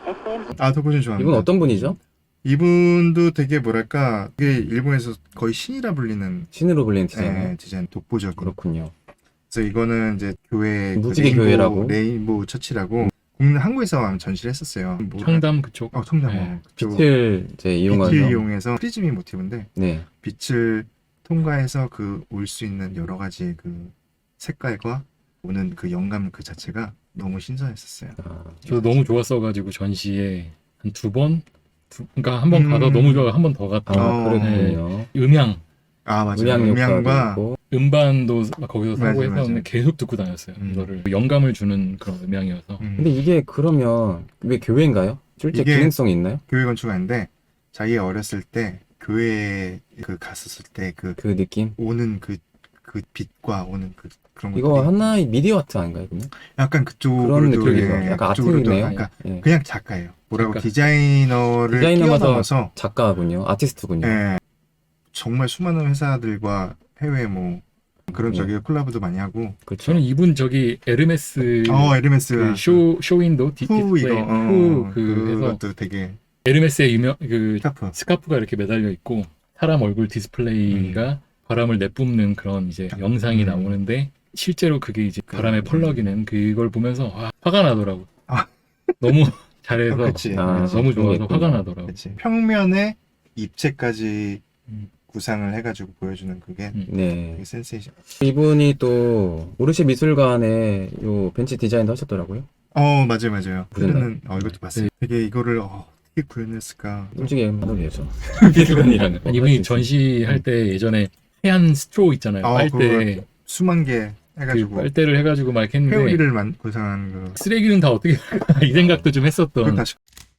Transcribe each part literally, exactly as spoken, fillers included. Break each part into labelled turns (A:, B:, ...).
A: 아, 덕후진 좋아합니다.
B: 이분 어떤 분이죠?
A: 이분도 되게 뭐랄까, 이게 일본에서 거의 신이라 불리는
B: 신으로 불리는 디자이너.
A: 예, 디자인 독보적인.
B: 그렇군요.
A: 그래서 이거는 이제 교회 그
B: 무지개
A: 레인보우,
B: 교회라고?
A: 레인보우 처치라고 국내 한국에서 전시를 했었어요. 뭐,
C: 청담 그쪽.
A: 어, 청담.
C: 네.
A: 어, 그쪽.
B: 빛을 이제 이용해서.
A: 빛을 이용해서 프리즘이 모티브인데
B: 네.
A: 빛을 통과해서 그 올 수 있는 여러 가지 그 색깔과 오는 그 영감 그 자체가 너무 신선했었어요.
B: 아,
C: 저도 너무 좋았어가지고 전시에 한 두 번, 두, 그러니까 한 번
A: 음.
C: 가서 너무 좋아 한 번 더 갔다.
B: 아,
A: 어.
B: 그렇군요.
C: 음향,
A: 아, 맞아요.
B: 음향 효과도
A: 음향과
B: 있고.
C: 음반도 막 거기서 사고
A: 맞아요,
C: 해서
A: 맞아요.
C: 계속 듣고 다녔어요.
A: 음.
C: 이거를 영감을 주는 그런 음향이어서.
A: 음,
B: 근데 이게 그러면 왜 교회인가요? 실제
A: 이게-
B: 기능성이 있나요?
A: 교회 건축가인데 자기가 어렸을 때 교회에 그 갔었을 때 그
B: 그 느낌?
A: 오는 그 그 빛과 오는 그 그런 것들이
B: 이거 하나의 미디어 아트 아닌가요? 그러면?
A: 약간 그쪽으로도
B: 그런 느낌이죠.
A: 예,
B: 약간
A: 그쪽으로도
B: 아트네요.
A: 그러니까
B: 예.
A: 그냥 작가예요. 뭐라고
C: 작가.
A: 디자이너를
B: 디자이너마다
A: 뛰어넘어서
B: 작가군요. 아티스트군요.
A: 예, 정말 수많은 회사들과 해외 뭐 그런
B: 네.
A: 저기 콜라보도 많이 하고
B: 그렇죠.
C: 저는 이분 저기 에르메스
A: 어 에르메스가
C: 그 쇼, 쇼윈도 디,
A: 후
C: 디스플레이
A: 이거
C: 후
A: 어,
C: 그 해서
A: 그것도 되게
C: 에르메스의 유명 그
A: 스카프
C: 스카프가 이렇게 매달려 있고 사람 얼굴 디스플레이가 바람을 내뿜는 그런 이제 영상이
A: 음.
C: 나오는데 실제로 그게 이제 바람에
A: 음.
C: 펄럭이는 그걸 보면서 와, 화가 나더라고.
A: 아.
C: 너무 잘해서
A: 어, 그치.
B: 아,
A: 그치.
C: 너무
B: 그런 게
C: 좋아서
B: 있군요.
C: 화가 나더라고.
A: 그치. 평면에 입체까지
C: 음.
A: 구상을 해가지고 보여주는 그게
C: 음.
B: 네.
A: 되게 센세이션.
B: 이분이 또 오르쉐 미술관에 요 벤치 디자인도 하셨더라고요.
A: 어 맞아요 맞아요.
B: 보셨나요?
A: 그거는 어 이것도 봤어요.
C: 네.
A: 되게 이거를 어, 어떻게 구현했을까.
B: 솔직히 만들겠죠.
C: 미술관이라는 이분이 전시할 때 예전에 해안 스트로 있잖아요.
A: 아,
C: 빨대
A: 수만 개
C: 그
A: 해가지고
C: 빨대를 해가지고 막 했는데
A: 회오리를 만 구상한 그.
C: 쓰레기는 다 어떻게 이 생각도 좀
A: 그걸
C: 했었던.
A: 다시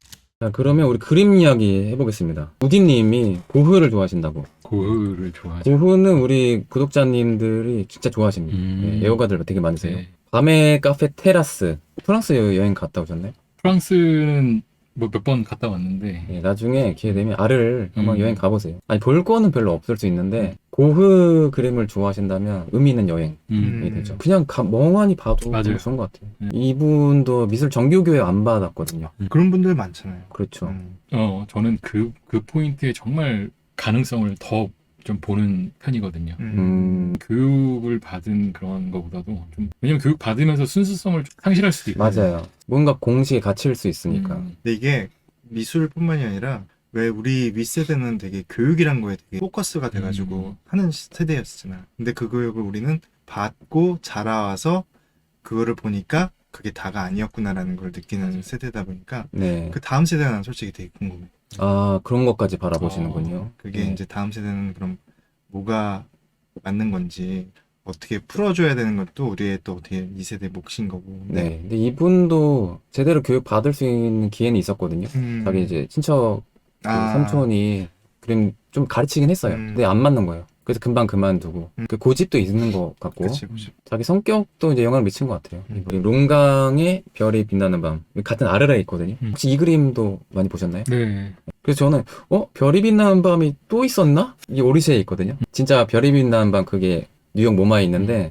B: 자, 그러면 우리 그림 이야기 해보겠습니다. 우디님이 고흐를 좋아하신다고.
C: 고흐를 좋아하죠.
B: 고흐는 우리 구독자님들이 진짜 좋아하십니다.
C: 음.
B: 네, 애호가들 되게 많으세요.
C: 네.
B: 밤의 카페 테라스. 프랑스 여- 여행 갔다 오셨나요?
C: 프랑스는 뭐 몇 번 갔다 왔는데
B: 네, 나중에 기회 되면 알을 한번
C: 음.
B: 여행 가보세요. 아니 볼 거는 별로 없을 수 있는데 고흐 그림을 좋아하신다면 의미 있는 여행이
C: 음.
B: 되죠. 그냥 가- 멍하니 봐도
C: 맞아요.
B: 너무 좋은 것 같아요.
C: 음.
B: 이분도 미술 정규교육 안 받았거든요.
A: 그런 분들 많잖아요.
B: 그렇죠.
A: 음.
C: 어 저는 그 그 포인트에 정말 가능성을 더 좀 보는 편이거든요.
A: 음.
B: 음,
C: 교육을 받은 그런 거보다도 좀 왜냐면 교육 받으면서 순수성을 좀 상실할 수도 있고.
B: 맞아요. 뭔가 공식에 갇힐 수 있으니까.
C: 음.
A: 근데 이게 미술뿐만이 아니라 왜 우리 윗세대는 되게 교육이란 거에 되게 포커스가 돼가지고
C: 음.
A: 하는 시- 세대였잖아. 근데 그 교육을 우리는 받고 자라와서 그거를 보니까 그게 다가 아니었구나라는 걸 느끼는
C: 맞아요.
A: 세대다 보니까
B: 네.
A: 그 다음 세대가 난 솔직히 되게 궁금해.
B: 아, 그런 것까지 바라보시는군요.
A: 그게
B: 네.
A: 이제 다음 세대는 그럼 뭐가 맞는 건지 어떻게 풀어줘야 되는 것도 우리의 또 어떻게 이 세대 몫인 거고.
B: 네. 근데 이분도 제대로 교육 받을 수 있는 기회는 있었거든요.
A: 음.
B: 자기 이제 친척 그
A: 아.
B: 삼촌이 그림 좀 가르치긴 했어요.
A: 음.
B: 근데 안 맞는 거예요. 그래서 금방 그만두고.
A: 음.
B: 그 고집도 있는 것 같고.
A: 그치, 그치.
B: 자기 성격도 이제 영향을 미친 것 같아요.
A: 음.
B: 우리 롱강의 별이 빛나는 밤. 같은 아르라에 있거든요.
C: 음.
B: 혹시 이 그림도 많이 보셨나요?
C: 네.
B: 그래서 저는, 어? 별이 빛나는 밤이 또 있었나? 이게 오르쉐에 있거든요. 진짜 별이 빛나는 밤 그게 뉴욕 모마에 있는데,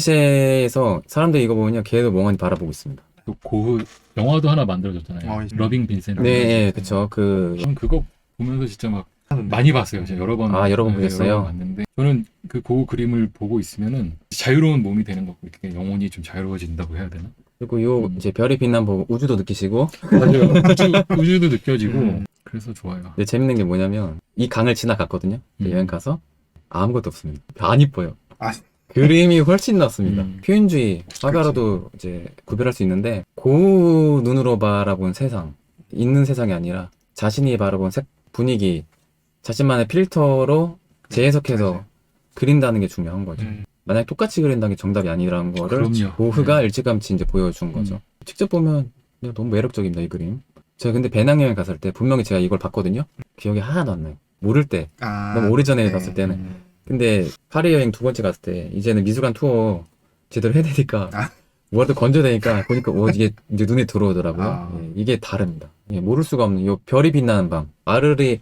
B: 오르쉐에서 사람들이 이거 보면요. 걔도 멍하니 바라보고 있습니다.
C: 또 고흐 영화도 하나 만들어졌잖아요.
A: 어, 있-
C: 러빙 빈센트.
B: 네, 예, 그쵸. 그,
C: 저는 그거 보면서 진짜 막
A: 하는데.
C: 많이 봤어요. 제가 여러 번.
B: 아, 여러 번
C: 네,
B: 보셨어요?
C: 여러 번 봤는데 저는 그 고흐 그림을 보고 있으면은 자유로운 몸이 되는 거고 이렇게 영혼이 좀 자유로워진다고 해야 되나?
B: 그리고 요,
C: 음.
B: 이제 별이 빛나는 보고 우주도 느끼시고,
C: 맞아요. 우주, 우주도 느껴지고
A: 음.
C: 그래서 좋아요.
B: 근데 재밌는 게 뭐냐면, 이 강을 지나갔거든요.
C: 음.
B: 여행 가서. 아무것도 없습니다. 안 이뻐요.
A: 아.
B: 그림이 훨씬 낫습니다.
C: 음.
B: 표현주의, 화가로도 이제 구별할 수 있는데, 고우 눈으로 바라본 세상, 있는 세상이 아니라 자신이 바라본 색, 분위기, 자신만의 필터로 재해석해서
A: 맞아요.
B: 그린다는 게 중요한 거죠.
A: 음.
B: 만약 똑같이 그린다는 게 정답이 아니라는 거를
C: 그럼요.
B: 고흐가
C: 네.
B: 일찌감치 이제 보여준 거죠.
C: 음.
B: 직접 보면 그냥 너무 매력적입니다, 이 그림. 제가 근데 배낭여행 갔을 때 분명히 제가 이걸 봤거든요. 기억이 하나도 안 나요. 모를 때.
A: 아,
B: 너무 오래전에
A: 네.
B: 갔을 때는.
C: 음.
B: 근데 파리 여행 두 번째 갔을 때 이제는 미술관 투어 제대로 해야 되니까
A: 아.
B: 뭐라도 건져야 되니까 보니까 어, 이게 이제 눈에 들어오더라고요.
A: 아.
B: 예, 이게 다릅니다. 예, 모를 수가 없는 요 별이 빛나는 밤. 아르리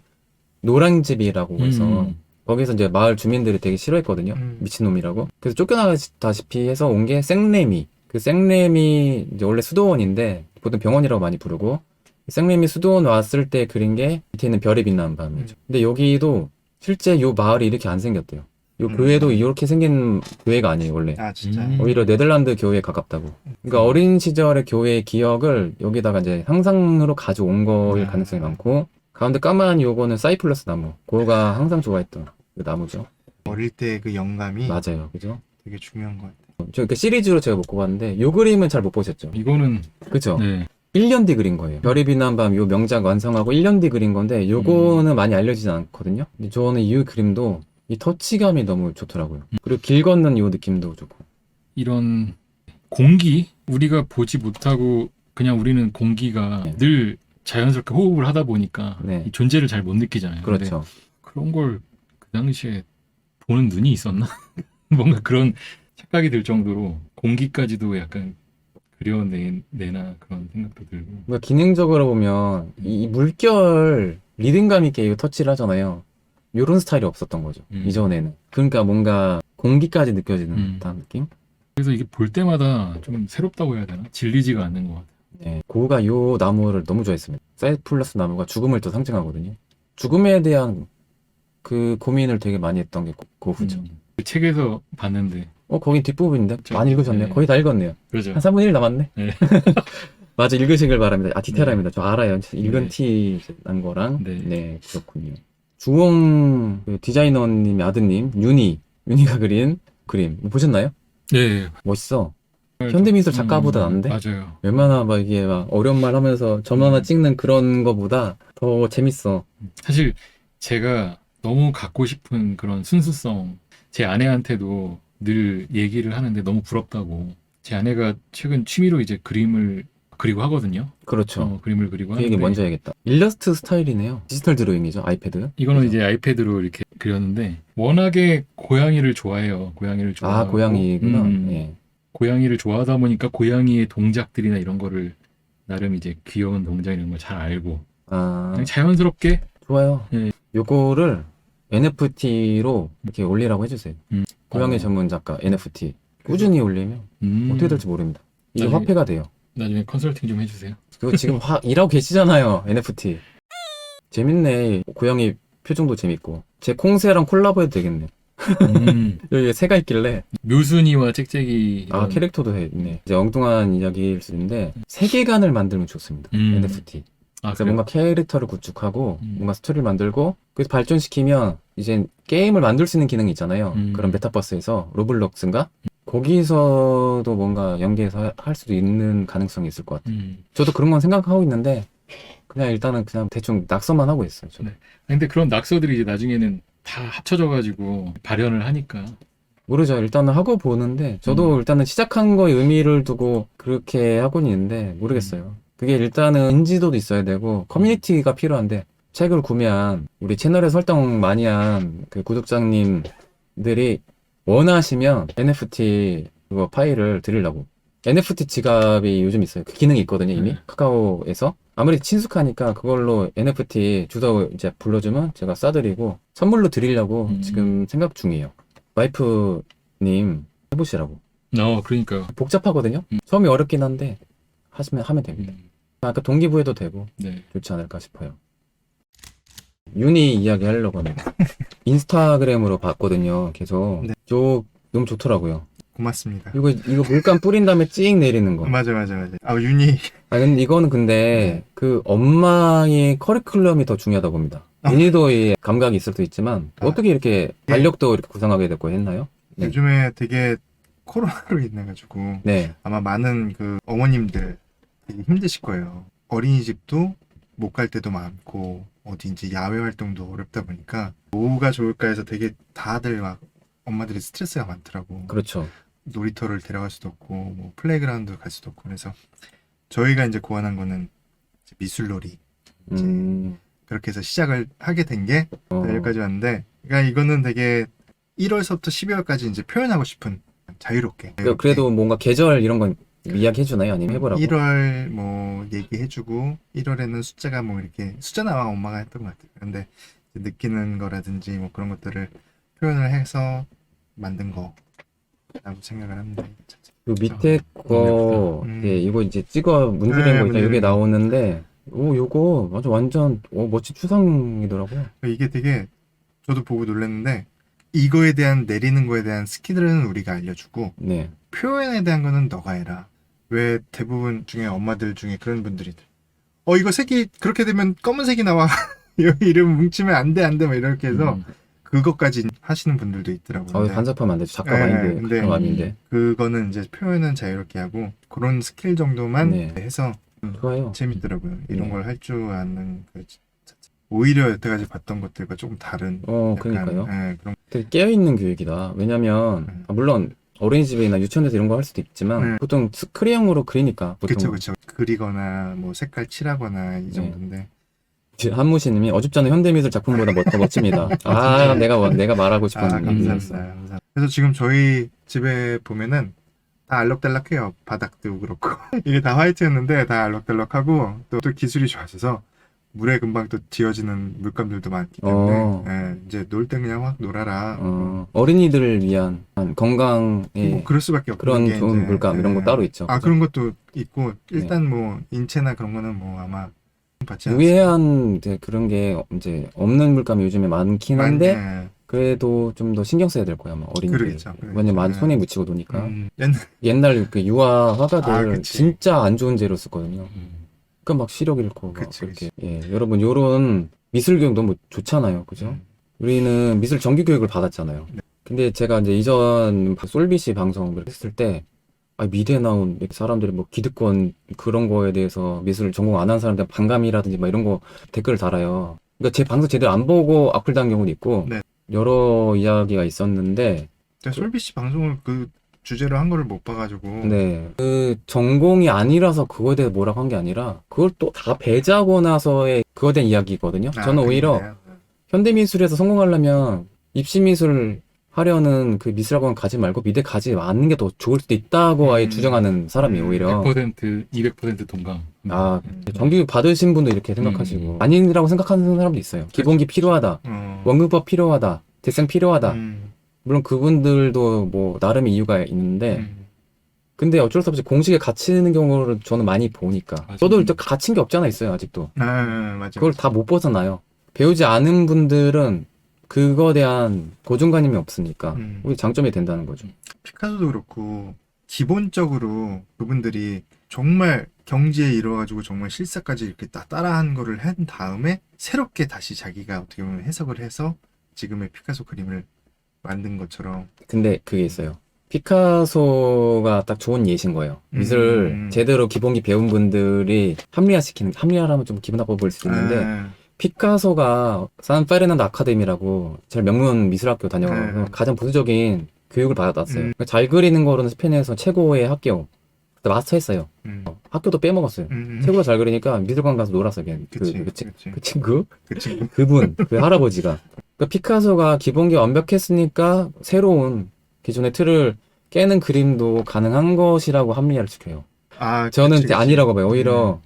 B: 노랑집이라고 해서
C: 음.
B: 거기서 이제 마을 주민들이 되게 싫어했거든요.
A: 음.
B: 미친놈이라고. 그래서 쫓겨나다시피 해서 온 게 생레미. 그 생레미 이제 원래 수도원인데 보통 병원이라고 많이 부르고 생림이 수도원 왔을 때 그린 게 밑에 있는 별이 빛나는 밤이죠.
A: 음.
B: 근데 여기도 실제 요 마을이 이렇게 안 생겼대요. 요
A: 음.
B: 교회도 이렇게 생긴 교회가 아니에요, 원래.
A: 아 진짜.
C: 음.
B: 오히려 네덜란드 교회에 가깝다고. 그러니까 어린 시절의 교회의 기억을 여기다가 이제 상상으로 가져온 거일
A: 아.
B: 가능성이 많고, 가운데 까만 요거는 사이플러스 나무. 그거가 항상 좋아했던 그 나무죠.
A: 어릴 때 그 영감이
B: 맞아요, 그죠?
A: 되게 중요한 것 같아요.
B: 저 그 시리즈로 제가 못 뽑았는데 요 그림은 잘 못 보셨죠?
C: 이거는
B: 그죠?
C: 네.
B: 일 년 뒤 그린 거예요. 별이 빛난 밤 요 명작 완성하고 일 년 뒤 그린 건데 요거는 많이 알려지진 않거든요. 근데 저는 이 그림도 이 터치감이 너무 좋더라고요. 그리고 길 걷는 요 느낌도 좋고.
C: 이런 공기 우리가 보지 못하고 그냥 우리는 공기가
B: 네.
C: 늘 자연스럽게 호흡을 하다 보니까
B: 네.
C: 이 존재를 잘 못 느끼잖아요. 근데
B: 그렇죠.
C: 그런 걸 그 당시에 보는 눈이 있었나? 뭔가 그런 착각이 들 정도로 공기까지도 약간 그려내나 그런 생각도 들고.
B: 뭔가 기능적으로 보면 이, 이 물결 리듬감 있게 이 터치를 하잖아요. 요런 스타일이 없었던 거죠.
C: 음.
B: 이전에는. 그러니까 뭔가 공기까지 느껴지는
C: 음.
B: 듯한 느낌?
C: 그래서 이게 볼 때마다 좀 새롭다고 해야 되나? 질리지가 않는 것 같아요.
B: 네. 고우가 요 나무를 너무 좋아했습니다. 사이플러스 나무가 죽음을 또 상징하거든요. 죽음에 대한 그 고민을 되게 많이 했던 게 고- 고우죠.
C: 음. 그 책에서 봤는데
B: 어, 거긴 뒷부분인데?
C: 그쵸.
B: 많이 읽으셨네요.
C: 네.
B: 거의 다 읽었네요.
C: 그러죠.
B: 한 삼분의 일 남았네.
C: 네.
B: 맞아, 읽으시길 바랍니다. 아, 디테일합니다. 저 알아요. 읽은
C: 네.
B: 티 난 거랑.
C: 네.
B: 네. 그렇군요. 주홍 그 디자이너님의 아드님, 윤희. 윤희가 그린 그림. 보셨나요?
C: 네.
B: 멋있어. 현대미술 작가보다
C: 음,
B: 난데?
C: 맞아요.
B: 웬만하 막 이게 막 어려운 말 하면서 점 하나
C: 음.
B: 찍는 그런 거보다 더 재밌어.
C: 사실 제가 너무 갖고 싶은 그런 순수성, 제 아내한테도 늘 얘기를 하는데 너무 부럽다고. 제 아내가 최근 취미로 이제 그림을 그리고 하거든요.
B: 그렇죠.
C: 어, 그림을 그리고
B: 그 얘기
C: 하는데
B: 먼저 해야겠다. 일러스트 스타일이네요. 디지털 드로잉이죠. 아이패드.
C: 이거는
B: 그죠?
C: 이제 아이패드로 이렇게 그렸는데 워낙에 고양이를 좋아해요. 고양이를 좋아하고
B: 아, 고양이구나.
C: 음,
B: 예.
C: 고양이를 좋아하다 보니까 고양이의 동작들이나 이런 거를 나름 이제 귀여운 동작 이런 걸 잘 알고
B: 아,
C: 그냥 자연스럽게
B: 좋아요.
C: 예.
B: 요거를 엔에프티로 이렇게 올리라고 해주세요.
C: 음.
B: 고양이
C: 어.
B: 전문 작가 엔에프티. 꾸준히 올리면
C: 음,
B: 어떻게 될지 모릅니다. 이게
C: 나중에-
B: 화폐가 돼요.
C: 나중에 컨설팅 좀 해주세요.
B: 그거 지금 화, 일하고 계시잖아요. 엔에프티. 재밌네. 고양이 표정도 재밌고. 제 콩새랑 콜라보해도 되겠네.
C: 음,
B: 여기 새가 있길래.
C: 묘순이와 짹짹이
B: 아,
C: 이런-
B: 캐릭터도 해 있네. 이제 엉뚱한 이야기일 수 있는데, 세계관을 만들면 좋습니다.
C: 음.
B: 엔에프티.
C: 아,
B: 그래서
C: 그래요?
B: 뭔가 캐릭터를 구축하고,
C: 음.
B: 뭔가 스토리를 만들고, 그래서 발전시키면, 이제 게임을 만들 수 있는 기능이 있잖아요.
C: 음.
B: 그런 메타버스에서, 로블록스인가? 거기서도 뭔가 연계해서 하- 할 수도 있는 가능성이 있을 것 같아요.
C: 음.
B: 저도 그런 건 생각하고 있는데, 그냥 일단은 그냥 대충 낙서만 하고 있어요. 저도.
C: 네. 근데 그런 낙서들이 이제 나중에는 다 합쳐져가지고 발현을 하니까
B: 모르죠. 일단은 하고 보는데, 저도
C: 음.
B: 일단은 시작한 거에 의미를 두고 그렇게 하고는 있는데, 모르겠어요. 그게 일단은 인지도도 있어야 되고, 커뮤니티가 필요한데, 책을 구매한, 우리 채널에 설정 많이 한 그 구독자님들이 원하시면 엔에프티 그거 파일을 드리려고. 엔에프티 지갑이 요즘 있어요. 그 기능이 있거든요, 이미.
C: 네.
B: 카카오에서. 아무리 친숙하니까 그걸로 엔에프티 주소 이제 불러주면 제가 싸드리고, 선물로 드리려고
C: 음.
B: 지금 생각 중이에요. 와이프님 해보시라고.
C: 어 그러니까
B: 복잡하거든요.
C: 음.
B: 처음이 어렵긴 한데 하시면 하면 됩니다.
C: 음,
B: 아까 동기부여도 되고
C: 네.
B: 좋지 않을까 싶어요. 윤희 이야기 하려고 합니다. 인스타그램으로 봤거든요. 계속
A: 네.
B: 저 너무 좋더라고요.
A: 고맙습니다.
B: 이거 이거 물감 뿌린 다음에 찍 내리는 거.
A: 맞아 맞아 맞아. 아 윤희
B: 아 근데 이거는 근데 그 엄마의 커리큘럼이 더 중요하다고 봅니다. 윤희도 이 감각이 있을 수도 있지만
A: 아.
B: 어떻게 이렇게 달력도 이렇게 구상하게 됐고 했나요? 네.
A: 요즘에 되게 코로나로 인해가지고
B: 네.
A: 아마 많은 그 어머님들 되게 힘드실 거예요. 어린이집도 못 갈 때도 많고 어디 이제 야외 활동도 어렵다 보니까 뭐가 좋을까 해서 되게 다들 막 엄마들이 스트레스가 많더라고.
B: 그렇죠.
A: 놀이터를 데려갈 수도 없고 뭐 플레이그라운드 갈 수도 없고 그래서 저희가 이제 고안한 거는 이제 미술놀이
B: 음.
A: 그렇게 해서 시작을 하게 된 게
B: 어.
A: 여기까지 왔는데 그러니까 이거는 되게 일월서부터 십이월까지 이제 표현하고 싶은 자유롭게
B: 그- 그래도 뭔가 계절 이런 건 이야기 해주나요? 아니면 해보라고?
A: 일월 뭐 얘기해주고 일월에는 숫자가 뭐 이렇게 숫자는 아마 엄마가 했던 것 같아요. 근데 이제 느끼는 거라든지 뭐 그런 것들을 표현을 해서 만든 거라고 생각을 합니다.
B: 요 밑에
C: 아,
B: 거,
A: 너무 예쁘다. 음.
B: 예, 이거 이제 찍어 문지르는
A: 네,
B: 거 있잖아요. 이게
A: 문지르는 거.
B: 나오는데, 오, 요거 완전 완전 오, 멋진 추상이더라고요.
A: 이게 되게 저도 보고 놀랐는데 이거에 대한 내리는 거에 대한 스킬은 우리가 알려주고
B: 네.
A: 표현에 대한 거는 너가 해라. 왜 대부분 중에 엄마들 중에 그런 분들이 어 이거 색이 그렇게 되면 검은색이 나와. 여기 이름 뭉치면 안 돼 안 돼 막 이렇게 해서
C: 음.
A: 그것까지 하시는 분들도 있더라고요.
B: 어,
A: 근데
B: 간섭하면 안 되죠. 작가
A: 네,
B: 마인드,
A: 근데
B: 그런 마음인데.
A: 그거는 이제 표현은 자유롭게 하고 그런 스킬 정도만
B: 네.
A: 해서
B: 좋아요.
A: 재밌더라고요. 이런
B: 네.
A: 걸 할 줄 아는 그 자체. 오히려 여태까지 봤던 것들과 조금 다른
B: 어,
A: 약간,
B: 그러니까요.
A: 예, 그런
B: 되게 깨어있는 교육이다. 왜냐면,
A: 음.
B: 아, 물론, 어린이집이나 유치원에서 이런 거 할 수도 있지만,
A: 네.
B: 보통 스크래형으로 그리니까, 보통.
A: 그쵸 그쵸 그리거나 뭐 색깔 칠하거나 이
B: 네.
A: 정도인데
B: 한무시님이 어줍잖은 현대미술 작품보다 멋, 더 멋집니다. 아,
A: 진짜요?
B: 내가, 뭐- 내가 말하고 싶은
A: 아 감사합니다.
B: 얘기였어.
A: 감사합니다. 그래서 지금 저희 집에 보면은 다 알록달록해요. 바닥도 그렇고 이게 다 화이트였는데 다 알록달록하고 또, 또 기술이 좋아져서 물에 금방 또 지워지는 물감들도 많기 때문에
B: 어.
A: 예, 이제 놀 때 그냥 확 놀아라.
B: 어, 어린이들을 위한 건강에
A: 뭐 그럴 수밖에 없는
B: 그런
A: 게
B: 좋은
A: 이제,
B: 물감 이런 거
A: 예.
B: 따로 있죠.
A: 아
B: 그죠?
A: 그런 것도 있고 일단 뭐 인체나 그런 거는 뭐 아마 받지 않습니다.
B: 무해한 이제 그런 게 이제 없는 물감이 요즘에 많긴 한데
A: 예.
B: 그래도 좀 더 신경 써야 될 거야, 아마 어린이들.
A: 그러겠죠, 그러겠죠.
B: 왜냐면 많이
A: 네.
B: 손에 묻히고 노니까.
A: 음, 옛날
B: 옛날 그 유화 화가들
A: 아, 그치.
B: 진짜 안 좋은 재료 쓰거든요.
C: 음.
B: 그러니까 막 시력 잃고 막
A: 그치,
B: 그렇게. 예, 여러분 요런 미술 교육 너무 좋잖아요, 그죠?
A: 음.
B: 우리는 미술 정규 교육을 받았잖아요.
A: 네.
B: 근데 제가 이제 이전 솔비시 방송을 했을 때, 아, 미대 나온 사람들이 뭐 기득권 그런 거에 대해서 미술을 전공 안 한 사람들 반감이라든지 막 이런 거 댓글을 달아요. 그러니까 제 방송 제대로 안 보고 악플 단 경우도 있고,
A: 네.
B: 여러 이야기가 있었는데,
A: 제가 솔비 씨 방송을 그 주제로 한 거를 못 봐가지고
B: 네. 그 전공이 아니라서 그거에 대해 뭐라고 한 게 아니라, 그걸 또 다 배제하고 나서의 그거에 대한 이야기거든요.
A: 아,
B: 저는 오히려
A: 그거네요.
B: 현대미술에서 성공하려면 입시미술 하려는 그 미술학원 가지 말고 미대 가지 않는 게 더 좋을 수도 있다고 아예
A: 음.
B: 주장하는 사람이
A: 음,
B: 오히려.
C: 백 퍼센트, 이백 퍼센트 동감.
B: 아,
A: 음.
B: 정규 받으신 분도 이렇게 생각하시고
C: 음.
B: 아니라고 생각하는 사람도 있어요. 기본기 필요하다.
A: 어.
B: 원근법 필요하다. 대생 필요하다.
A: 음.
B: 물론 그분들도 뭐 나름의 이유가 있는데
A: 음.
B: 근데 어쩔 수 없이 공식에 갇히는 경우를 저는 많이 보니까
C: 맞아요.
B: 저도 일단 갇힌 게 없잖아 있어요 아직도.
A: 아, 맞아.
B: 그걸 다 못 벗어나요. 배우지 않은 분들은 그거에 대한 고정관념이 없으니까
A: 음.
B: 우리 장점이 된다는 거죠.
A: 피카소도 그렇고 기본적으로 그분들이 정말 경지에 이뤄가지고 정말 실사까지 이렇게 다 따라한 거를 한 다음에 새롭게 다시 자기가 어떻게 보면 해석을 해서 지금의 피카소 그림을 만든 것처럼
B: 근데 그게 있어요. 피카소가 딱 좋은 예신 거예요.
A: 음.
B: 미술 제대로 기본기 배운 분들이 합리화시키는, 합리화라면 좀 기분 나빠 보일 수도 있는데,
A: 아,
B: 피카소가 산 페르난도 아카데미라고 제일 명문 미술학교 다녀서
A: 네.
B: 가장 부수적인 교육을 받았어요.
A: 음.
B: 그러니까 잘 그리는 거로는 스페인에서 최고의 학교. 그때 마스터 했어요.
A: 음.
B: 학교도 빼먹었어요.
A: 음.
B: 최고가 잘 그리니까 미술관 가서 놀았어요. 그냥 그,
A: 그치,
B: 그, 치-
A: 그치.
B: 그 친구?
A: 그 친구.
B: 그분, 그 할아버지가. 그러니까 피카소가 기본기 완벽했으니까 새로운 기존의 틀을 깨는 그림도 가능한 것이라고 합리화를 시켜요.
A: 아,
B: 저는
A: 그치,
B: 이제
A: 그치.
B: 아니라고 봐요. 오히려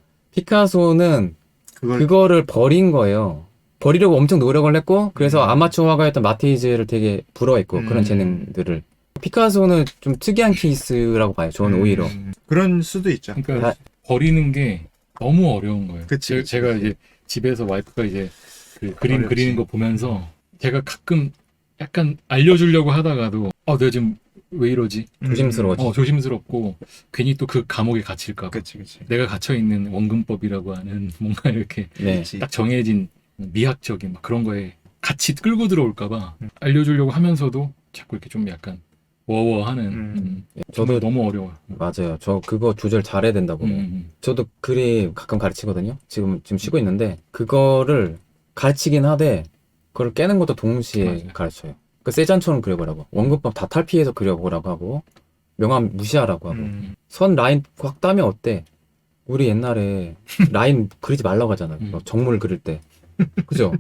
B: 피카소는
A: 그걸
B: 그거를 버린 거예요. 버리려고 엄청 노력을 했고, 그래서
A: 음.
B: 아마추어 화가였던 마티즈를 되게 부러워했고,
A: 음.
B: 그런 재능들을. 피카소는 좀 특이한 케이스라고 봐요. 저는
A: 음,
B: 오히려.
A: 그럴 수도 있죠.
C: 그러니까
B: 다-
C: 버리는 게 너무 어려운 거예요.
A: 그치,
C: 제-
A: 그치,
C: 제가
A: 그치.
C: 이제 집에서 와이프가 이제 그 그림
A: 어렵지.
C: 그리는 거 보면서 제가 가끔 약간 알려주려고 하다가도 어 내가 지금 왜 이러지?
B: 조심스러워지.
C: 어 조심스럽고 괜히 또 그 감옥에 갇힐까 봐.
A: 그치, 그치.
C: 내가 갇혀 있는 원근법이라고 하는 뭔가 이렇게
B: 네.
A: 그치.
C: 딱 정해진 미학적인 막 그런 거에 같이 끌고 들어올까 봐
A: 음.
C: 알려주려고 하면서도 자꾸 이렇게 좀 약간 워워하는
A: 음.
C: 음.
B: 저도
C: 저도 너무 어려워요.
B: 맞아요. 저 그거 조절 잘해야 된다고.
C: 음,
B: 봐요.
C: 음,
B: 저도 그림 가끔 가르치거든요. 지금 지금 쉬고 있는데 그거를 가르치긴 하되 그걸 깨는 것도 동시에
C: 맞아요.
B: 가르쳐요. 그 세잔처럼 그려보라고. 원근법 다 탈피해서 그려보라고 하고 명암 무시하라고 하고
A: 음.
B: 선 라인 확 따면 어때? 우리 옛날에 라인 그리지 말라고 하잖아요.
C: 음.
B: 막 정물 그릴 때. 그죠?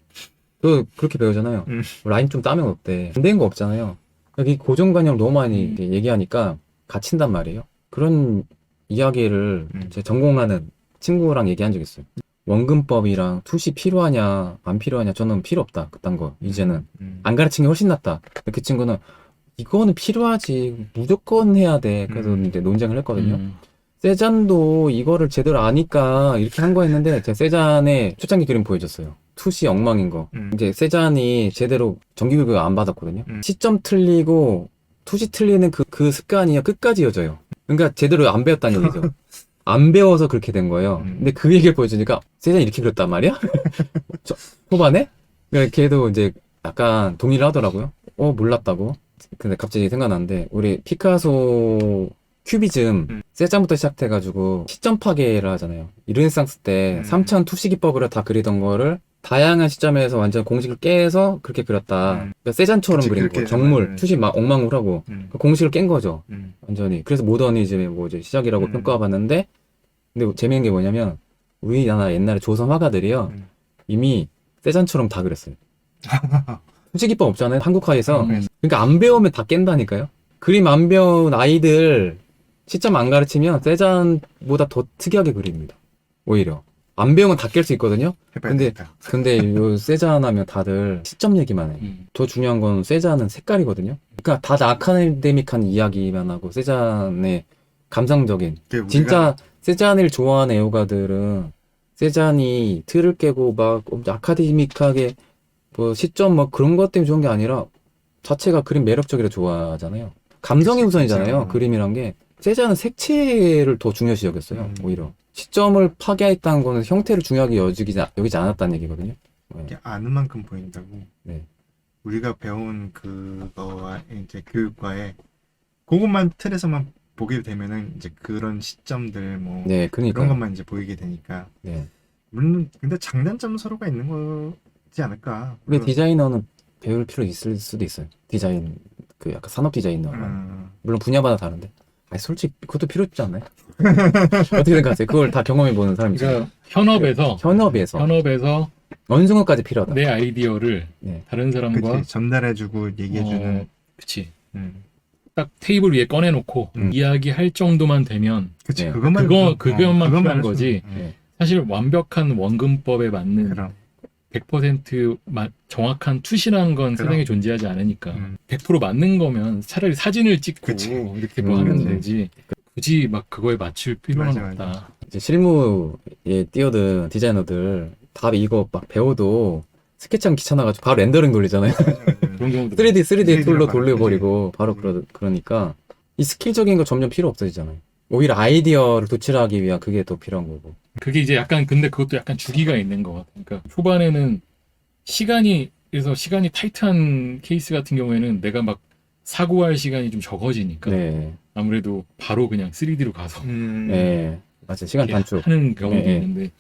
B: 그 그렇게 배우잖아요.
A: 음.
B: 라인 좀 따면 어때? 안 되는 거 없잖아요. 여기 고정관념 너무 많이
C: 음.
B: 이렇게 얘기하니까 갇힌단 말이에요. 그런 이야기를
A: 음.
B: 제 전공하는 친구랑 얘기한 적 있어요. 원근법이랑 투시 필요하냐 안 필요하냐 저는 필요 없다 그딴 거 이제는
A: 음.
B: 안 가르친 게 훨씬 낫다. 그 친구는 이거는 필요하지 무조건 해야 돼. 그래서
A: 음.
B: 이제 논쟁을 했거든요.
C: 음.
B: 세잔도 이거를 제대로 아니까 이렇게 한 거였는데 제가 세잔의 초창기 그림 보여줬어요. 투시 엉망인 거.
A: 음.
B: 이제 세잔이 제대로 정기교육을 안 받았거든요.
A: 음.
B: 시점 틀리고 투시 틀리는 그, 그 습관이 끝까지 이어져요. 그러니까 제대로 안 배웠다는 얘기죠. 안 배워서 그렇게 된 거예요.
A: 음.
B: 근데 그 얘기를 보여주니까 세잔이 이렇게 그렸단 말이야? 저, 초반에? 그러니까 걔도 이제 약간 동의를 하더라고요. 어, 몰랐다고. 근데 갑자기 생각났는데 우리 피카소 큐비즘
A: 음.
B: 세잔부터 시작해가지고 시점 파괴를 하잖아요. 이 르네상스 때
A: 음.
B: 삼천 투시기법으로 다 그리던 거를 다양한 시점에서 완전 공식을 깨서 그렇게 그렸다.
A: 음.
B: 그러니까 세잔처럼
A: 그치,
B: 그린
A: 그렇게
B: 거. 정물,
A: 해서
B: 투시 막 엉망으로
A: 음.
B: 그 공식을 깬 거죠.
A: 음.
B: 완전히. 그래서 모더니즘의 뭐 이제 시작이라고
A: 음.
B: 평가받았는데, 근데 재밌는 게 뭐냐면 우리나라 옛날에 조선 화가들이요
A: 음.
B: 이미 세잔처럼 다 그렸어요. 투시기법 없잖아요. 한국화에서.
C: 음.
B: 그러니까 안 배우면 다 깬다니까요. 그림 안 배운 아이들 시점 안 가르치면 세잔보다 더 특이하게 그립니다. 오히려 안 배우면 다 깰 수 있거든요.
A: 해봐야
B: 근데-
A: 되겠다.
B: 근데 요 세잔 하면 다들 시점 얘기만 해.
C: 음.
B: 더 중요한 건 세잔은 색깔이거든요. 그러니까 다들 아카데미한 이야기만 하고 세잔의 감상적인
A: 그게 우리가-
B: 진짜 세잔을 좋아하는 애호가들은 세잔이 틀을 깨고 막 엄청 아카데믹하게 뭐 시점 뭐 그런 것 때문에 좋은 게 아니라 자체가 그림 매력적이라 좋아하잖아요. 감성이
A: 그치,
B: 우선이잖아요.
A: 진짜.
B: 그림이란 게. 세잔은 색채를 더 중요시 여겼어요.
A: 음.
B: 오히려. 시점을 파괴했다는 거는 형태를 중요하게 여기지, 여기지 않았다는 얘기거든요. 네.
A: 이게 아는 만큼 보인다고.
B: 네.
A: 우리가 배운 그거와 이제 교육과에 그것만 틀에서만 보게 되면은 이제 그런 시점들 뭐
B: 네,
A: 그런
B: 그러니까.
A: 것만 이제 보이게 되니까
B: 네.
A: 물론 근데 장단점 서로가 있는 거지 않을까.
B: 근데
A: 물론,
B: 디자이너는 배울 필요 있을 수도 있어요. 디자인, 그 약간 산업 디자이너가.
A: 음,
B: 물론 분야마다 다른데. 아니, 솔직히 그것도 필요 없지 않나요? 어떻게 생각하세요? 그걸 다 경험해보는 사람이잖아요.
C: 그러니까 현업에서
B: 현업에서.
C: 현업에서
B: 어느 순간까지 필요하다.
C: 내 아이디어를
B: 네.
C: 다른 사람과
A: 그치 전달해주고 얘기해주는.
C: 어, 그치
A: 음,
C: 딱 테이블 위에 꺼내놓고
A: 음.
C: 이야기할 정도만 되면
A: 그치
B: 네.
A: 그것만
C: 그거-
A: 어,
C: 그것만
A: 그것만
C: 필요한
A: 할
C: 거지.
A: 수는- 음,
B: 네.
C: 사실 완벽한 원근법에 맞는
A: 그럼
C: 백 퍼센트 마- 정확한 투시라는 건
A: 그럼.
C: 세상에 존재하지 않으니까
A: 음.
C: 백 퍼센트 맞는 거면 차라리 사진을 찍고
A: 그치.
C: 이렇게 뭐
B: 음,
C: 하면
A: 그치.
C: 되지 굳이 막 그거에 맞출 필요는
A: 맞아,
C: 없다.
A: 맞아.
B: 이제 실무에 뛰어든 디자이너들 다 이거 막 배워도 스케치하기 귀찮아가지고 바로 렌더링 돌리잖아요.
C: 그런 경우도
B: 쓰리디, 쓰리디
A: 쓰리디로
B: 툴로
A: 바로,
B: 돌려버리고
A: 그치.
B: 바로
A: 음.
B: 그러, 그러니까 이 스킬적인 거 점점 필요 없어지잖아요. 오히려 아이디어를 도출하기 위한 그게 더 필요한 거고.
C: 그게 이제 약간 근데 그것도 약간 주기가 있는 것 같아. 그러니까 초반에는 시간이 그래서 시간이 타이트한 케이스 같은 경우에는 내가 막 사고할 시간이 좀 적어지니까
B: 네.
C: 아무래도 바로 그냥 쓰리디로 가서
A: 음,
B: 네. 맞아요. 시간
C: 이렇게
B: 단축.
C: 하는 경우도
B: 네, 네.
C: 있는데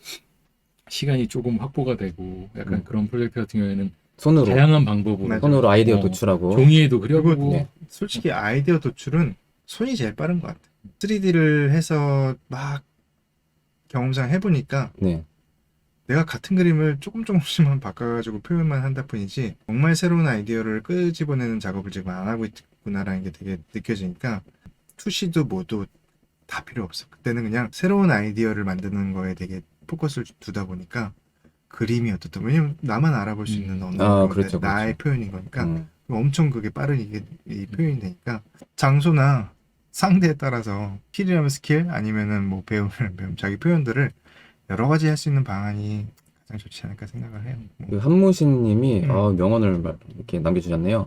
C: 시간이 조금 확보가 되고 약간
B: 음.
C: 그런 프로젝트 같은 경우에는
B: 손으로.
C: 다양한 방법으로
A: 맞아.
B: 손으로 아이디어
C: 어,
B: 도출하고.
C: 종이에도 그려보고
A: 그리고
B: 네.
A: 솔직히 아이디어 도출은 손이 제일 빠른 것 같아. 쓰리디를 해서 막 경험상 해보니까
B: 네.
A: 내가 같은 그림을 조금 조금씩만 바꿔가지고 표현만 한다 뿐이지 정말 새로운 아이디어를 끄집어내는 작업을 지금 안 하고 있구나라는 게 되게 느껴지니까 투시도 뭐도 다 필요 없어. 그때는 그냥 새로운 아이디어를 만드는 거에 되게 포커스를 두다 보니까 그림이 어떻든 왜냐면 나만 알아볼 수 있는
C: 음.
A: 언어인
B: 아,
A: 건데
B: 그렇죠,
A: 나의
B: 그렇죠.
A: 표현인 거니까
B: 음.
A: 엄청 그게 빠른 이게 이 표현이 되니까 장소나 상대에 따라서 스킬이라면 스킬 아니면은 뭐 배우면 배움 자기 표현들을 여러 가지 할 수 있는 방안이 가장 좋지 않을까 생각을 해요. 뭐.
B: 그 한무신 님이
A: 음.
B: 아, 명언을 말- 이렇게 남겨주셨네요.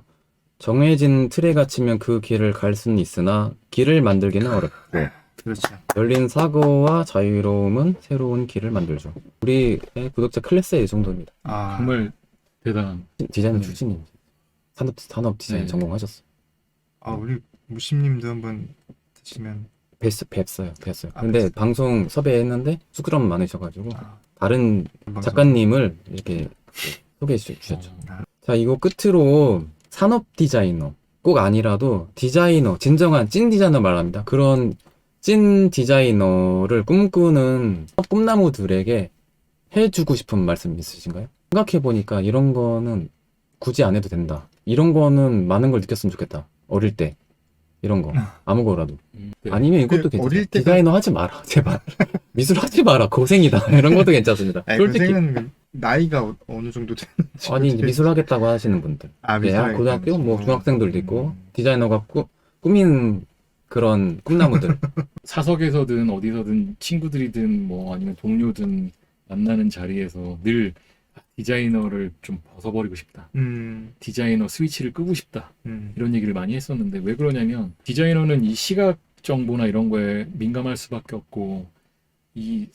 B: 정해진 틀에 갇히면 그 길을 갈 수는 있으나 길을 만들기는 어렵고
A: 그렇죠.
B: 열린 사고와 자유로움은 새로운 길을 만들죠. 우리의 구독자 클래스의 이 정도입니다.
A: 아
C: 정말 대단한
B: 디자이너
C: 네.
B: 출신입니다. 산업, 산업 디자인
C: 네.
B: 전공하셨어요.
A: 아 우리 무심님도 한번 드시면
B: 뵀, 뵀어요. 뵀어요.
A: 아,
B: 근데
A: 뵀어요.
B: 방송 섭외했는데 쑥스러움 많으셔가지고
A: 아,
B: 다른
A: 방송.
B: 작가님을 이렇게 소개해 주- 주셨죠.
C: 어,
B: 자, 이거 끝으로 산업 디자이너 꼭 아니라도 디자이너, 진정한 찐 디자이너 말합니다. 그런 찐 디자이너를 꿈꾸는 꿈나무들에게 해주고 싶은 말씀 있으신가요? 생각해보니까 이런 거는 굳이 안 해도 된다. 이런 거는 많은 걸 느꼈으면 좋겠다. 어릴 때. 이런 거. 아무 거라도.
C: 음, 네.
B: 아니면 이것도
A: 그
B: 괜찮아요.
A: 어릴 때가-
B: 디자이너 하지 마라. 제발. 미술 하지 마라. 고생이다. 이런 것도 괜찮습니다.
A: 아니,
B: 솔직히.
A: 선생은 나이가 어, 어느 정도 되는지
B: 아니, 이제 미술 하겠다고 하시는 분들.
A: 아,
B: 네,
A: 미술하겠다는
B: 고등학교, 뭐
A: 거죠.
B: 중학생들도 있고,
A: 음.
B: 디자이너가 꾸, 꾸민 그런 꿈나무들.
C: 사석에서든 어디서든 친구들이든 뭐 아니면 동료든 만나는 자리에서 늘 디자이너를 좀 벗어버리고 싶다.
A: 음,
C: 디자이너 스위치를 끄고 싶다.
A: 음,
C: 이런 얘기를 많이 했었는데 왜 그러냐면 디자이너는 이 시각 정보나 이런 거에 민감할 수밖에 없고 이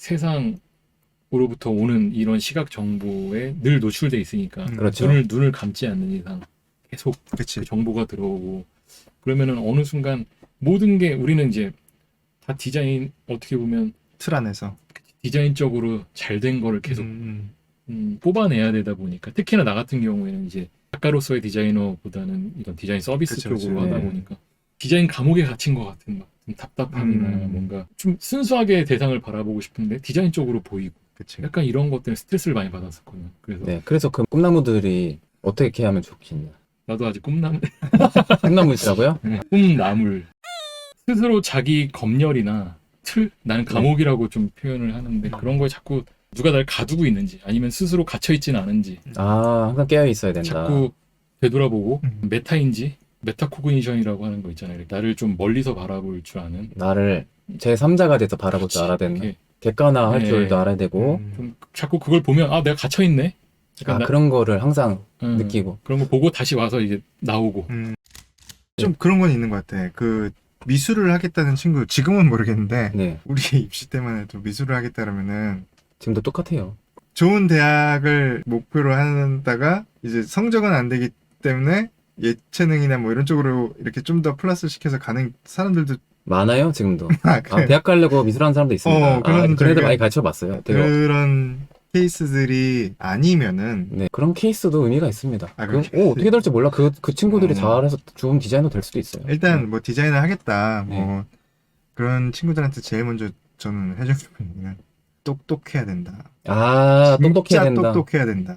C: 세상으로부터 오는 이런 시각 정보에 늘 노출돼 있으니까
A: 음,
B: 그렇죠.
C: 눈을 눈을 감지 않는 이상 계속
A: 그치.
C: 그 정보가 들어오고 그러면은 어느 순간 모든 게 우리는 이제 다 디자인 어떻게 보면
A: 틀 안에서.
C: 디자인적으로 잘 된 거를 계속
A: 음,
C: 음, 뽑아내야 되다 보니까 특히나 나 같은 경우에는 이제 작가로서의 디자이너보다는 이런 디자인 서비스
A: 그쵸,
C: 쪽으로
A: 그쵸.
C: 하다
B: 네.
C: 보니까 디자인 감옥에 갇힌 것 같은 막 좀 답답함이나
A: 음.
C: 뭔가 좀 순수하게 대상을 바라보고 싶은데 디자인 쪽으로 보이고
A: 그치.
C: 약간 이런 것 때문에 스트레스를 많이 받았었거든요. 그래서
B: 네, 그래서 그 꿈나무들이 어떻게 하면 좋겠냐.
C: 나도 아직 꿈남
B: 꿈나무시라고요?
C: 꿈나물 스스로 자기 검열이나 틀 나는 감옥이라고 좀 표현을 하는데 그런 거에 자꾸 누가 날 가두고 있는지 아니면 스스로 갇혀 있지는 않은지
B: 아, 항상 깨어 있어야 된다.
C: 자꾸 되돌아보고
A: 음.
C: 메타인지 메타코그니션이라고 하는 거 있잖아요. 나를 좀 멀리서 바라볼 줄 아는
B: 나를 제삼자가 돼서 바라볼 줄 알아야 된다.
C: 이렇게
B: 객관화할
C: 네.
B: 줄도 알아야 되고,
A: 음,
C: 좀 자꾸 그걸 보면 아 내가 갇혀 있네.
B: 아, 그런 거를 항상
C: 음,
B: 느끼고.
C: 그런 거 보고 다시 와서 이제 나오고
A: 음. 좀 그런 건 있는 것 같아. 그 미술을 하겠다는 친구 지금은 모르겠는데
B: 네,
A: 우리 입시 때만 해도 미술을 하겠다 그러면은
B: 지금도 똑같아요.
A: 좋은 대학을 목표로 한다가 이제 성적은 안 되기 때문에 예체능이나 뭐 이런 쪽으로 이렇게 좀 더 플러스 시켜서 가는 사람들도
B: 많아요, 지금도.
A: 아,
B: 아,
A: 그래.
B: 대학 가려고 미술하는 사람도 있습니다.
A: 어, 그런
B: 아, 그런 애들
A: 저기가-
B: 많이 가르쳐 봤어요. 되게
A: 그런 케이스들이 아니면은
B: 네, 그런 케이스도 의미가 있습니다.
A: 아,
B: 그,
A: 그런
B: 오, 어떻게 될지 몰라. 그, 그 친구들이
A: 어.
B: 잘해서 좋은 디자이너 될 수도 있어요.
A: 일단 뭐 디자인을 하겠다
B: 네.
A: 뭐 그런 친구들한테 제일 먼저 저는 해주는 얘기는 똑똑해야 된다.
B: 아, 똑똑해야
A: 진짜
B: 된다.
A: 똑똑해야 된다.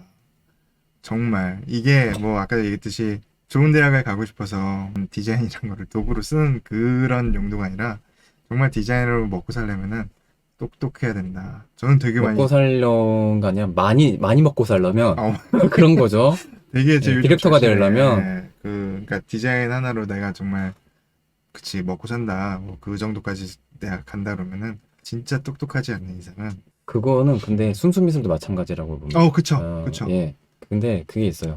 A: 정말 이게 뭐 아까 얘기했듯이 좋은 대학을 가고 싶어서 디자인이란 거를 도구로 쓰는 그런 용도가 아니라 정말 디자이너로 먹고 살려면은 똑똑해야 된다. 저는 되게 많이
B: 먹고 살려가 아니라 많이, 많이 먹고 살려면
A: 어,
B: 그런 거죠.
A: 되게 제
B: 네,
A: 요즘
B: 디렉터가
A: 자신을,
B: 되려면?
A: 예, 그 그러니까 디자인 하나로 내가 정말 그치 먹고 산다 뭐 그 정도까지 내가 간다 그러면은 진짜 똑똑하지 않는 이상은
B: 그거는 근데 순수미술도 마찬가지라고 봅니다.
A: 어 그쵸
B: 어,
A: 그쵸
B: 예. 근데 그게 있어요.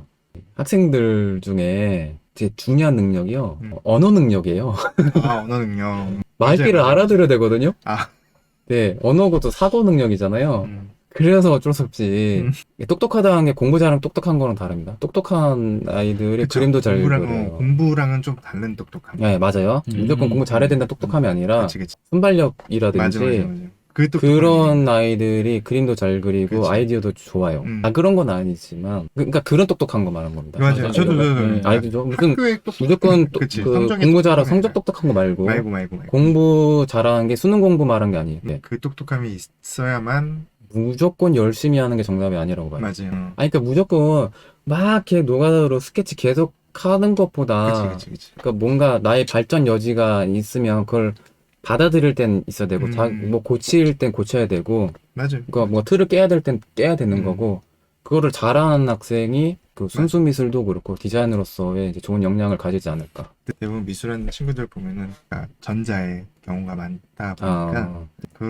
B: 학생들 중에 제 중요한 능력이요.
A: 음.
B: 언어 능력이에요.
A: 아 언어 능력
B: 말귀를
A: 맞아요.
B: 알아들어야 되거든요.
A: 아.
B: 네, 언어고도 사고 능력이잖아요.
A: 음,
B: 그래서 어쩔 수 없이
A: 음.
B: 이게 똑똑하다는 게 공부 잘하면 똑똑한 거랑 다릅니다. 똑똑한 아이들이
A: 그쵸.
B: 그림도 잘
A: 공부랑,
B: 그려요.
A: 어, 공부랑은 좀 다른 똑똑함
B: 네, 맞아요.
C: 음.
B: 무조건 공부 잘해야 된다 똑똑함이 아니라
A: 그치 그치
B: 순발력이라든지
A: 맞아 맞아 맞아 그 똑똑함이
B: 그런 아이들이 그림도 잘 그리고
A: 그치.
B: 아이디어도 좋아요.
A: 음.
B: 아, 그런 건 아니지만 그- 그러니까 그런 똑똑한 거 말하는 겁니다.
A: 맞아요
C: 맞아요.
A: 저도 저도
C: 네.
B: 아이들 좀 무슨
A: 학교에 똑똑
B: 무조건 또,
A: 그치.
B: 그
A: 성적이
B: 공부 잘하고
A: 똑똑함이
B: 성적
A: 아니라.
B: 똑똑한 거 말고
A: 말고 말고 말고
B: 공부 잘하는 게 수능 공부 말한 게 아니에요. 네.
A: 그 똑똑함이 있어야만
B: 무조건 열심히 하는 게 정답이 아니라고 봐요.
A: 맞아요 어.
B: 아니 그러니까 무조건 막 이렇게 노가다로 스케치 계속 하는 것보다
A: 그치 그치 그치
B: 그러니까 뭔가 나의 발전 여지가 있으면 그걸 받아들일 땐 있어야 되고
A: 음.
B: 자, 뭐 고칠 땐 고쳐야 되고
A: 맞아요
B: 그러니까 뭐 틀을 깨야 될 땐 깨야 되는
A: 음.
B: 거고 그거를 잘하는 학생이 그 순수 미술도 그렇고 디자이너로서의 이제 좋은 역량을 가지지 않을까.
A: 대부분 미술하는 친구들 보면은 아, 전자의 경우가 많다 보니까
B: 아,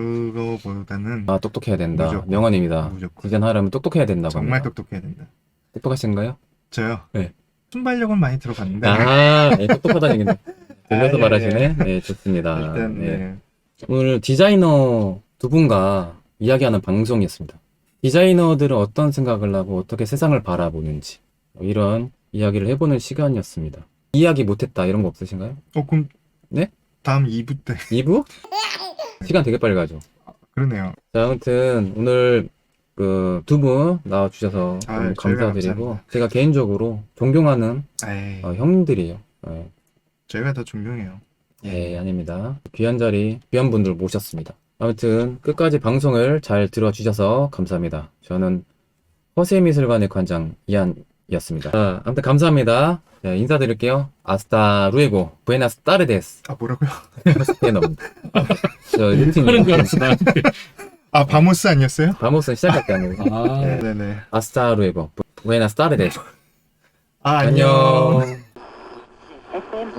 A: 그거보다는
B: 아 똑똑해야 된다.
A: 무조건.
B: 명언입니다.
A: 무조건
B: 디자인 하려면 똑똑해야 된다고
A: 정말
B: 합니다.
A: 똑똑해야 된다.
B: 똑똑하신가요?
A: 저요.
B: 네.
A: 순발력은 많이 들어갔는데
B: 아, 네, 똑똑하다는 얘기네. 들려서
A: 아, 예,
B: 말하시네. 네, 좋습니다.
A: 일단
B: 네.
A: 네.
B: 오늘 디자이너 두 분과 이야기하는 방송이었습니다. 디자이너들은 어떤 생각을 하고 어떻게 세상을 바라보는지 이런 이야기를 해보는 시간이었습니다. 이야기 못했다 이런 거 없으신가요?
A: 어 그럼
B: 네?
A: 다음 이 부 때
B: 이 부? 시간 되게 빨리 가죠.
A: 그러네요.
B: 자, 아무튼 오늘 그 두 분 나와주셔서
A: 아,
B: 너무
A: 저희가
B: 감사드리고
A: 감사합니다.
B: 제가 개인적으로 존경하는
A: 에이,
B: 어, 형님들이에요. 네.
A: 저희가 더 존경해요.
B: 예, 아닙니다. 귀한 자리, 귀한 분들 모셨습니다. 아무튼 끝까지 방송을 잘 들어주셔서 감사합니다. 저는 허세미술관의 관장 이한이었습니다. 자, 아무튼 감사합니다. 네, 인사드릴게요. 아스타 루에고, 부에나스 타르데스.
A: 아 뭐라고요?
B: 스페인어입니다. 저
C: 하는 줄
B: 루틴
C: 알았어 나한테.
A: 아 바모스 아니었어요?
B: 바모스는 시작할 때 하는 거.
C: 아,
A: 네네.
B: 아스타 루에고, 부에나스 타르데스.
A: 아
B: 안녕.
A: 안녕.